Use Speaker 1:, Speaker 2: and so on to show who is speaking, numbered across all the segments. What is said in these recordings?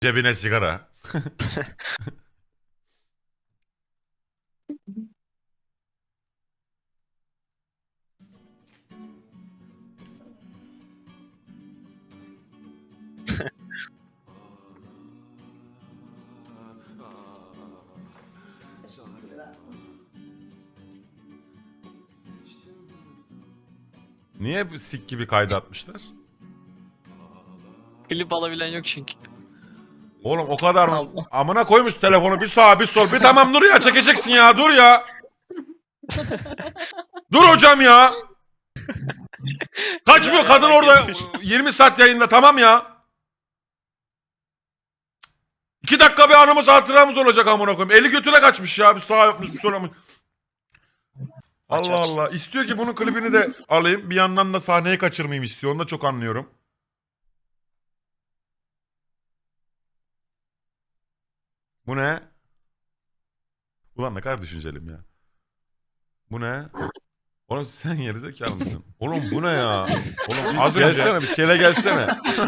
Speaker 1: Cebine sigara. Niye bu sik gibi kaydı atmışlar?
Speaker 2: Klip alabilen yok çünkü.
Speaker 1: Oğlum o kadar mı?
Speaker 2: Allah.
Speaker 1: Amına koymuş telefonu bir sağa bir sol. Bir tamam dur ya çekeceksin ya dur ya. Dur hocam ya. Kaçmıyor kadın orada 20 saat yayında tamam ya. 2 dakika bir anımız hatıramız olacak amına koyayım. Eli götüne kaçmış ya bir sağa yapmış bir sola yapmış. Allah Allah. İstiyor ki bunun klibini de alayım. Bir yandan da sahneyi kaçırmayayım istiyor. Onu da çok anlıyorum. Bu ne? Ulan ne kadar düşüncelim ya. Bu ne? Oğlum sen gerizekalı mısın? Oğlum bu ne ya? Oğlum az önce... Gelsene bir kele gelsene.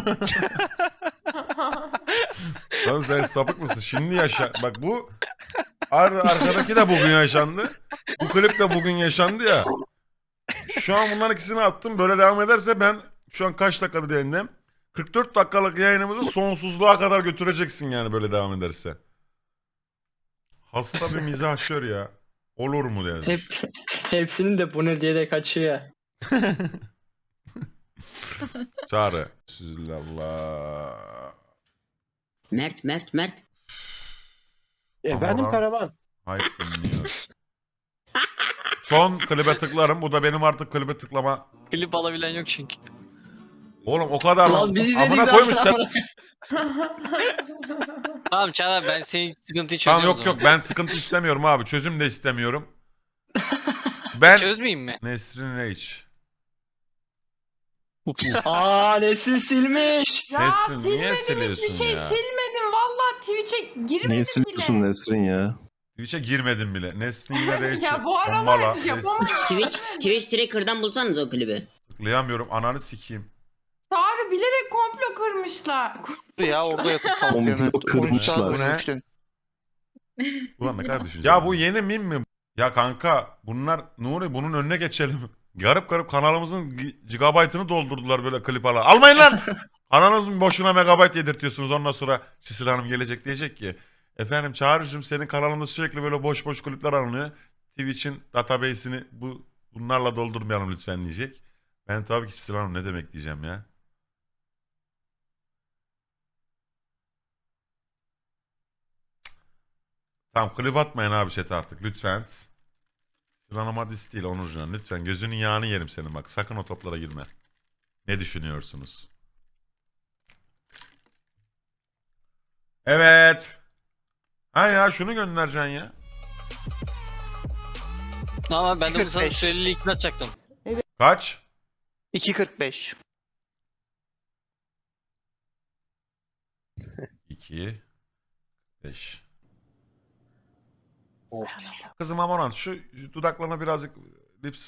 Speaker 1: Oğlum sen sapık mısın? Şimdi yaşa... Bak bu... Arkadaki de bugün yaşandı. Bu klip de bugün yaşandı ya. Şu an bunların ikisini attım. Böyle devam ederse ben... Şu an kaç dakikada yayındayım? 44 dakikalık yayınımızı sonsuzluğa kadar götüreceksin yani böyle devam ederse. Hasta bir mizahşör ya. Olur mu demiş.
Speaker 3: Hepsinin de bu ne diye de kaçıyor.
Speaker 1: Çağrı. Süzülallah.
Speaker 4: Mert.
Speaker 5: Efendim Karavan.
Speaker 1: Hayır dinliyor. Son klibe tıklarım. Bu da benim artık klibe tıklama.
Speaker 2: Klip alabilen yok çünkü.
Speaker 1: Oğlum o kadar mı?
Speaker 3: Ulan biz izledik
Speaker 1: Amına
Speaker 3: zaten
Speaker 1: koymuş.
Speaker 3: amına.
Speaker 2: Tamam Çağlar ben senin sıkıntıyı
Speaker 1: Tamam
Speaker 2: çözüyorum.
Speaker 1: yok yok ben sıkıntı istemiyorum abi. Çözüm de istemiyorum. Ben
Speaker 2: Çözmeyeyim mi?
Speaker 1: Nesrin Reç.
Speaker 3: Aa Nesin silmiş.
Speaker 6: Ya
Speaker 1: Nesrin, niye
Speaker 6: silmedim
Speaker 1: siliyorsun
Speaker 6: hiçbir şey
Speaker 1: ya?
Speaker 6: silmedim. Vallahi Twitch'e girmedim
Speaker 5: Neyi
Speaker 6: bile.
Speaker 5: siliyorsun Nesrin ya?
Speaker 1: Twitch'e girmedim bile. Nesrin Reç.
Speaker 6: Ya bu aralar
Speaker 1: Tombala,
Speaker 6: yapamadım.
Speaker 4: Twitch Tracker'dan bulsanız o klibi.
Speaker 1: Tıklayamıyorum. Ananı sikeyim.
Speaker 6: Çağrı bilerek komplo kırmışlar.
Speaker 7: Ya orada yatıp kalkıyor.
Speaker 5: Komplo kırmışlar.
Speaker 1: Bu ne? Ulan ne kadar düşünce. Ya bu yeni mim mi? Ya kanka bunlar Nuri bunun önüne geçelim. Garip garip kanalımızın gigabaytını doldurdular böyle klip ala. Almayın lan! Ananız boşuna megabayt yedirtiyorsunuz ondan sonra Çisil Hanım gelecek diyecek ki. Efendim Çağrı'cığım senin kanalında sürekli böyle boş boş klipler alınıyor. Twitch'in database'ini bunlarla doldurmayalım lütfen diyecek. Ben tabii ki Çisil Hanım ne demek diyeceğim ya. Tamam klip atmayın abi chat'e artık lütfen. Sıranım hadis değil Onurcan. Lütfen gözünün yağını yerim senin bak. Sakın o toplara girme. Ne düşünüyorsunuz? Evet. Ha ya şunu göndereceksin ya.
Speaker 2: Ama ben de bunu sana
Speaker 7: 45.
Speaker 2: süreli ikna atacaktım.
Speaker 1: Kaç?
Speaker 7: 2.45.
Speaker 1: 2 5. Kızım Amoran şu dudaklarına birazcık lips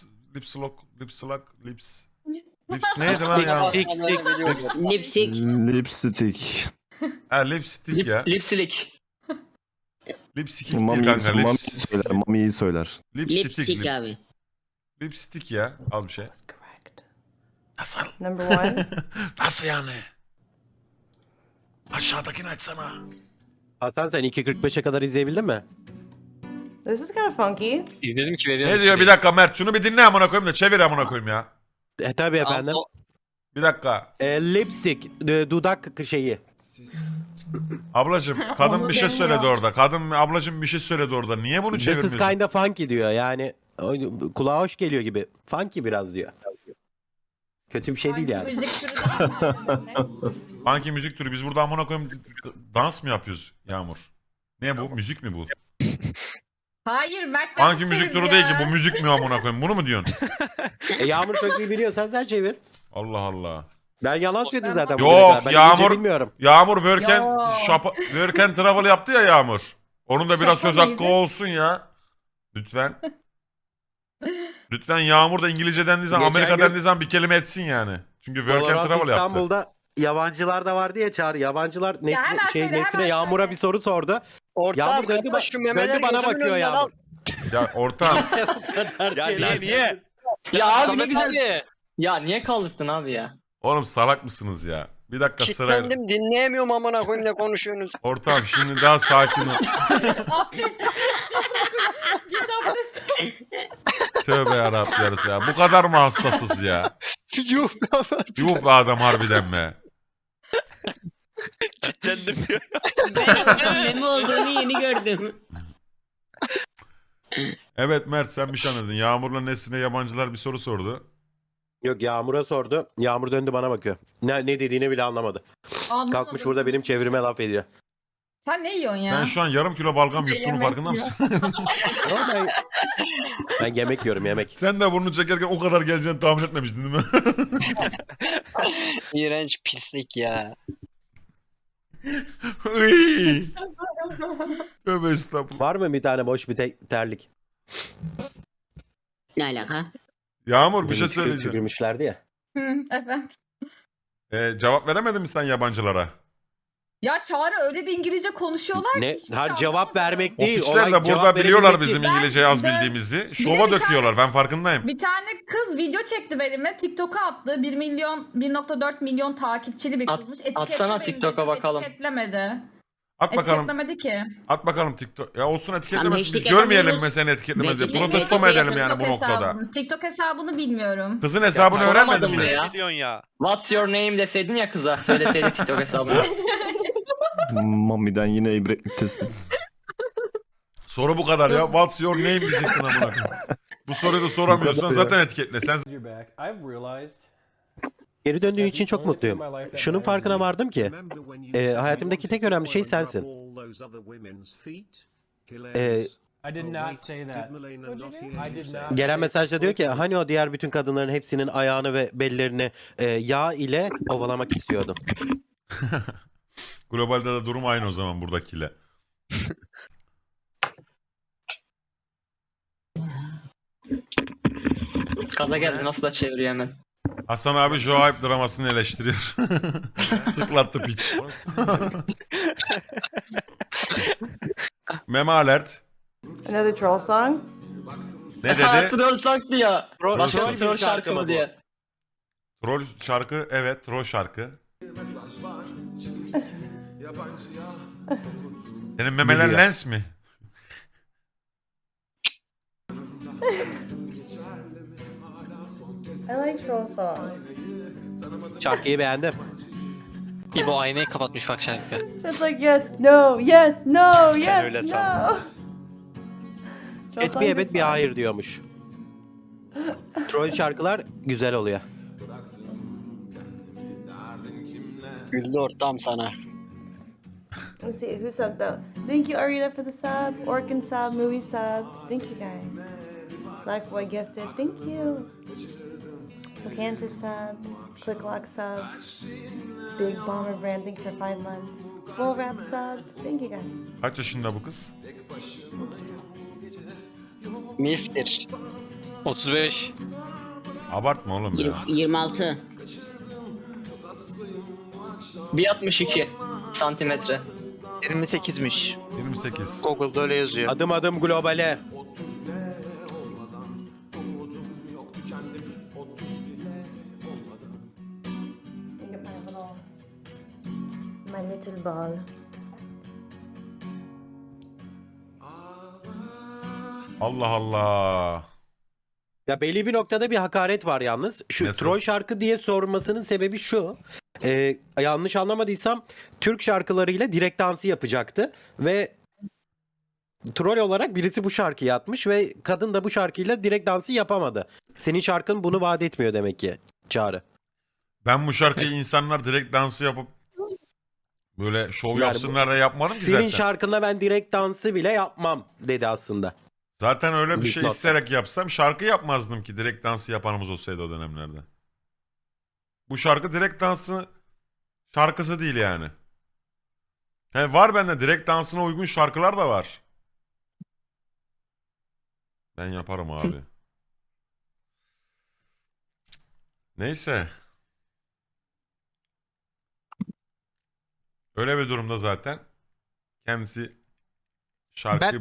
Speaker 1: neydi lan ya?
Speaker 4: Lipstick.
Speaker 5: Lipstick.
Speaker 1: Ha lipstick ya.
Speaker 3: Lipsilik.
Speaker 1: Lipstick değil
Speaker 5: Mami
Speaker 1: kanka.
Speaker 5: söyler. Mami'yi söyler.
Speaker 4: Lipstick abi.
Speaker 1: Lipstick ya. Az bir şey. Nasıl?
Speaker 8: Number one.
Speaker 1: Nasıl yani? Aşağıdakini açsana.
Speaker 9: Hasan sen 2.45'e kadar izleyebildin mi?
Speaker 8: This is kind of funky.
Speaker 2: İzledim ki veriyorum.
Speaker 1: Ne diyor bir dakika Mert şunu bir dinle amına koyayım da çevir amına koyayım ya.
Speaker 9: Tabii efendim.
Speaker 1: Bir dakika.
Speaker 9: Lipstick, dudak şeyi.
Speaker 1: Ablacım kadın
Speaker 8: Onu
Speaker 1: bir şey
Speaker 8: demiyor.
Speaker 1: söyledi orada. Kadın ablacım bir şey söyledi orada. Niye bunu
Speaker 9: This is
Speaker 1: çevirmiyorsun?
Speaker 9: kinda funky diyor yani. Kulağa hoş geliyor gibi. Funky biraz diyor. Kötü bir şey değil yani.
Speaker 6: Müzik türü değil mi?
Speaker 1: Funky müzik türü. Biz burada amına koyayım dans mı yapıyoruz Yağmur? Ne bu? Müzik mi bu?
Speaker 6: Hayır Mert
Speaker 1: Funky müzik türü değil ki. Bu müzik mi amına koyayım? Bunu mu diyorsun?
Speaker 9: Yağmur çok iyi biliyorsan sen çevir.
Speaker 1: Allah Allah.
Speaker 9: Ben yalan söyledim zaten.
Speaker 1: Yok,
Speaker 9: bugüne kadar. Ben
Speaker 1: Yağmur-
Speaker 9: İngilizce bilmiyorum.
Speaker 1: Yağmur
Speaker 6: Yo.
Speaker 1: Work and Travel yaptı ya Yağmur. Onun da biraz
Speaker 6: Şaka
Speaker 1: söz hakkı
Speaker 6: mıydı?
Speaker 1: olsun ya. Lütfen. Lütfen Yağmur da İngilizce dendiği zaman,
Speaker 9: Geçen
Speaker 1: Amerika
Speaker 9: gün-
Speaker 1: dendiği zaman bir kelime etsin yani. Çünkü Work and
Speaker 9: Valorant
Speaker 1: Travel yaptı.
Speaker 9: İstanbul'da yabancılar da vardı ya Çağrı. Yabancılar Nesrin,
Speaker 6: hemen söyle,
Speaker 9: Nesrin'e
Speaker 6: hemen
Speaker 9: Yağmur'a
Speaker 6: söyle.
Speaker 9: bir soru sordu.
Speaker 10: Ortağım
Speaker 9: Yağmur döndü,
Speaker 10: kapat şu memeleri
Speaker 9: döndü bana
Speaker 10: gözümün
Speaker 9: bakıyor
Speaker 10: önünden al.
Speaker 9: Yağmur.
Speaker 1: Ya ortam.
Speaker 10: Ya niye?
Speaker 3: Ya abi ne
Speaker 2: Samet
Speaker 3: güzel.
Speaker 2: abi.
Speaker 3: Ya niye kaldırdın abi ya?
Speaker 1: Oğlum salak mısınız ya? Bir dakika sırayla.
Speaker 10: Kitlendim dinleyemiyorum amına koyayım ne konuşuyorsunuz.
Speaker 1: Ortam şimdi daha sakin ol.
Speaker 6: Abdest. Git abdest.
Speaker 1: Tövbe yarabbim yarısı ya. Bu kadar mı hassasız ya?
Speaker 7: Yuh be abi.
Speaker 1: Yuh be adam harbiden be.
Speaker 10: Kitlendim diyor.
Speaker 4: Ben meme olduğunu yeni gördüm.
Speaker 1: Evet Mert sen bir şey anladın. Yağmur'la Nesrin'e yabancılar bir soru sordu.
Speaker 9: Yok Yağmur'a sordu. Yağmur döndü bana bakıyor. Ne dediğini bile anlamadı.
Speaker 6: Anlamadım.
Speaker 9: Kalkmış burada benim çevrime laf ediyor.
Speaker 6: Sen ne yiyorsun ya?
Speaker 1: Sen şu an yarım kilo balgam yuttuğunun
Speaker 6: Yemek
Speaker 1: farkında
Speaker 6: yiyor.
Speaker 1: mısın?
Speaker 9: Ama ben yemek yiyorum yemek.
Speaker 1: Sen de burnunu çekerken o kadar geleceğini tahmin etmemiştin değil mi?
Speaker 10: İğrenç pislik ya.
Speaker 1: Iy. Tövbe estağfurullah.
Speaker 9: Var mı bir tane boş bir terlik?
Speaker 4: Ne alaka?
Speaker 1: Yağmur bir şey
Speaker 9: Beni
Speaker 1: söyleyeceğim.
Speaker 9: tükürmüşlerdi ya.
Speaker 6: Hı, efendim.
Speaker 1: Cevap veremedin mi sen yabancılara?
Speaker 6: Ya Çağrı öyle bir İngilizce konuşuyorlar ki.
Speaker 9: Ne?
Speaker 6: hiçbir
Speaker 9: Her
Speaker 6: şey
Speaker 9: cevap
Speaker 6: anlamadım.
Speaker 9: vermek
Speaker 1: O
Speaker 9: değil.
Speaker 1: piçler de
Speaker 9: cevap
Speaker 1: burada biliyorlar
Speaker 9: verebilmek
Speaker 1: bizim
Speaker 9: değil.
Speaker 1: İngilizceyi az
Speaker 6: Ben-
Speaker 1: bildiğimizi.
Speaker 6: Bir
Speaker 1: Şova
Speaker 6: de bir
Speaker 1: döküyorlar ben farkındayım.
Speaker 6: Bir tane kız video çekti benimle. TikTok'a attı. 1.4 milyon takipçili bir
Speaker 3: At-
Speaker 6: kızmış.
Speaker 3: atsana
Speaker 6: Etiketlemeyin
Speaker 3: TikTok'a
Speaker 6: dedim,
Speaker 3: bakalım.
Speaker 6: Etiketlemedi.
Speaker 1: At bakalım.
Speaker 6: Etiketlemedi ki.
Speaker 1: At bakalım TikTok. Ya olsun etiketlemesin. Biz
Speaker 4: hashtag
Speaker 1: görmeyelim
Speaker 4: atamıyoruz.
Speaker 1: mi seni etiketlemedi.
Speaker 4: Belki de-
Speaker 1: Protesto mu
Speaker 4: belki de
Speaker 1: edelim yani bu
Speaker 6: TikTok
Speaker 1: noktada?
Speaker 6: hesabını- TikTok hesabını bilmiyorum.
Speaker 1: Kızın hesabını
Speaker 3: Ya,
Speaker 1: öğrenmedin
Speaker 3: soramadım
Speaker 1: mi?
Speaker 3: bile ya.
Speaker 10: Ne diyorsun ya?
Speaker 3: What's your name deseydin ya kıza. Söyleseydin TikTok hesabını.
Speaker 5: Mami'den yine ibretlik tespit.
Speaker 1: Soru bu kadar ya. What's your name diyeceksin amına koyayım. Bu soruyu da soramıyorsan
Speaker 5: Bu kadar ya.
Speaker 1: zaten etiketle. Sen
Speaker 9: Geri döndüğün için çok mutluyum. Şunun farkına vardım ki hayatımdaki tek önemli şey sensin. Gelen mesajda diyor ki hani o diğer bütün kadınların hepsinin ayağını ve bellerini yağ ile ovalamak istiyordum.
Speaker 1: globalde de durum aynı o zaman buradakiyle.
Speaker 3: Kaza geldi nasıl da çeviriyor hemen.
Speaker 1: Hasan abi Joaip dramasını eleştiriyor. Tıklattı piç. Meme alert.
Speaker 8: Another troll song?
Speaker 1: Ne
Speaker 3: Ha,
Speaker 1: dedi?
Speaker 3: troll saktı ya. Başka
Speaker 9: troll
Speaker 3: bir troll
Speaker 9: bir
Speaker 3: şarkı
Speaker 9: şarkı mı
Speaker 3: mı
Speaker 9: bu?
Speaker 3: diye.
Speaker 1: Troll şarkı evet troll şarkı. Senin memeler
Speaker 9: Biliyor.
Speaker 1: lens mi?
Speaker 8: I like troll songs.
Speaker 9: Şarkıyı beğendim.
Speaker 2: İbo aynayı kapatmış bak şarkı.
Speaker 8: Just like yes, no, yes, no,
Speaker 10: öyle
Speaker 8: yes,
Speaker 10: san.
Speaker 8: no. Troll
Speaker 9: Et
Speaker 8: songs
Speaker 9: bir
Speaker 8: are
Speaker 9: evet bir
Speaker 8: fun.
Speaker 9: hayır diyormuş. Troll şarkılar güzel oluyor.
Speaker 10: Güldü ortam sana.
Speaker 8: Let's see who subbed though. Thank you Arita for the sub. Orkin sub, movie sub. Thank you guys. Blackboy gifted. Thank you. Sohanta sub. Clicklock sub. Big Bomber Brand. Thank you for 5 months. Full Rap sub. Thank you guys.
Speaker 1: Kaç yaşında bu kız?
Speaker 10: Miftir.
Speaker 2: 35.
Speaker 1: Abartma oğlum ya.
Speaker 4: 26.
Speaker 3: 1.62 santimetre.
Speaker 7: 28'miş.
Speaker 1: 28.
Speaker 7: Google'da öyle yazıyor.
Speaker 9: Adım adım globale.
Speaker 8: Look at my little ball.
Speaker 1: Allah Allah.
Speaker 9: Ya belli bir noktada bir hakaret var yalnız. Şu
Speaker 1: Nasıl?
Speaker 9: troll şarkı diye sormasının sebebi şu. Yanlış anlamadıysam Türk şarkılarıyla direkt dansı yapacaktı ve troll olarak birisi bu şarkıyı atmış ve kadın da bu şarkıyla direkt dansı yapamadı. Senin şarkın bunu vaat etmiyor demek ki Çağrı.
Speaker 1: Ben bu şarkıyı insanlar direkt dansı yapıp böyle şov
Speaker 9: Yani
Speaker 1: yapsınlar da yapmadım ki
Speaker 9: Senin
Speaker 1: zaten.
Speaker 9: şarkında ben direkt dansı bile yapmam dedi aslında.
Speaker 1: Zaten öyle bir
Speaker 9: Büyük
Speaker 1: şey
Speaker 9: nokta.
Speaker 1: isteyerek yapsam şarkı yapmazdım ki direkt dansı yapanımız olsaydı o dönemlerde. Bu şarkı direkt dansı şarkısı değil yani. He, var bende direkt dansına uygun şarkılar da var. Ben yaparım abi. Neyse. Öyle bir durumda zaten kendisi şarkı